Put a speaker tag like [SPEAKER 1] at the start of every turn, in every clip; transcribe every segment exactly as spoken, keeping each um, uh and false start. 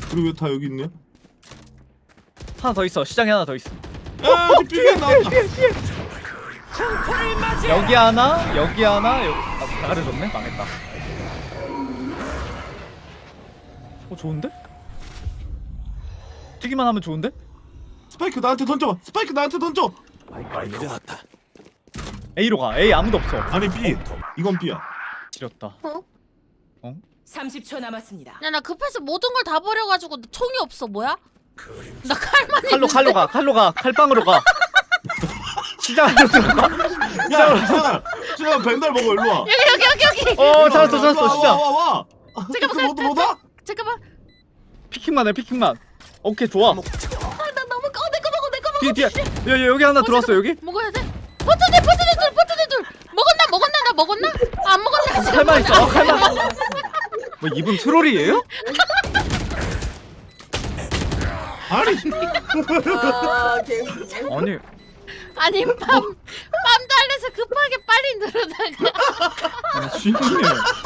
[SPEAKER 1] 그리고 왜 다 여기 있냐?
[SPEAKER 2] 하나 더 있어. 시장에 하나 더 있어.
[SPEAKER 1] 아 삐삐 나왔다.
[SPEAKER 2] 여기 하나, 여기 하나, 여기 아, 가려졌네. 망했다. 어 좋은데? 튀기만 하면 좋은데?
[SPEAKER 1] 스파이크 나한테 던져. 스파이크 나한테 던져.
[SPEAKER 3] 내려놨다.
[SPEAKER 2] A로 가. A 아무도 없어.
[SPEAKER 1] 아니 B. 이건 B야.
[SPEAKER 2] 지렸다.
[SPEAKER 4] 삼십 초 남았습니다.
[SPEAKER 5] 야, 나 급해서 모든 걸 다 버려가지고 총이 없어. 뭐야? 나 칼만
[SPEAKER 2] 칼로 칼로 가. 칼로 가. 칼빵으로 가. 시장으로 들어가.
[SPEAKER 1] 야 준아. 준아 벤달 먹어 일로 와.
[SPEAKER 5] 여기 여기 여기 여기.
[SPEAKER 2] 어 찾았어 찾았어 시장.
[SPEAKER 1] 와와와.
[SPEAKER 5] 잠깐만,
[SPEAKER 1] 모두 뭐다?
[SPEAKER 5] 잠깐만.
[SPEAKER 2] 피킹만 해 피킹만. 오케이 좋아.
[SPEAKER 5] 아, 나 너무 어, 내거 먹어, 내거 먹어.
[SPEAKER 2] 뒤에 뒤에. 야, 야 여기 하나 들어왔어 여기.
[SPEAKER 5] 먹어야 돼. 버튼들, 버튼들 둘, 버튼들 둘. 먹었나, 먹었나, 나 먹었나? 아, 안 먹었나? 아직 안
[SPEAKER 2] 칼만 있어. 어,
[SPEAKER 5] 먹었나?
[SPEAKER 2] 칼만. 뭐 이분 트롤이에요?
[SPEAKER 1] 아니.
[SPEAKER 6] 아, 개웃기네.
[SPEAKER 2] 아니
[SPEAKER 5] 아니, 빰, 빰 달래서 급하게 빨리 누르다가.
[SPEAKER 2] 아니 진심해.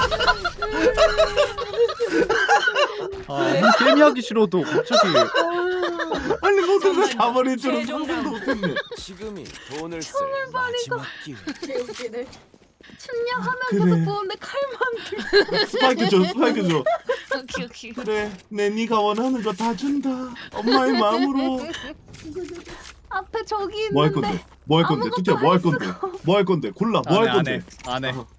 [SPEAKER 2] 아 게임 하기 싫어도 갑자기.
[SPEAKER 1] 아니 모든 걸다 버릴 줄은 상상도 못했네.
[SPEAKER 3] 지금이 돈을 쓸 마지막 기회.
[SPEAKER 6] 개웃기네. 춘냥하면
[SPEAKER 1] 그래.
[SPEAKER 6] 계속 보는데 칼만 들고.
[SPEAKER 1] 스파이크 줘 스파이크 줘.
[SPEAKER 5] 오케이, 오케이.
[SPEAKER 1] 그래 내 네가 원하는 거 다 준다. 엄마의 마음으로.
[SPEAKER 6] 앞에 저기 있는데.
[SPEAKER 1] 뭐 할 건데? 뭐 할 건데?
[SPEAKER 6] 아무것도
[SPEAKER 1] 뚜띠야 뭐 할
[SPEAKER 6] 안
[SPEAKER 1] 건데? 뭐 할 건데? 골라 뭐 할
[SPEAKER 2] 안 해,
[SPEAKER 1] 건데?
[SPEAKER 2] 안 해. 안 해.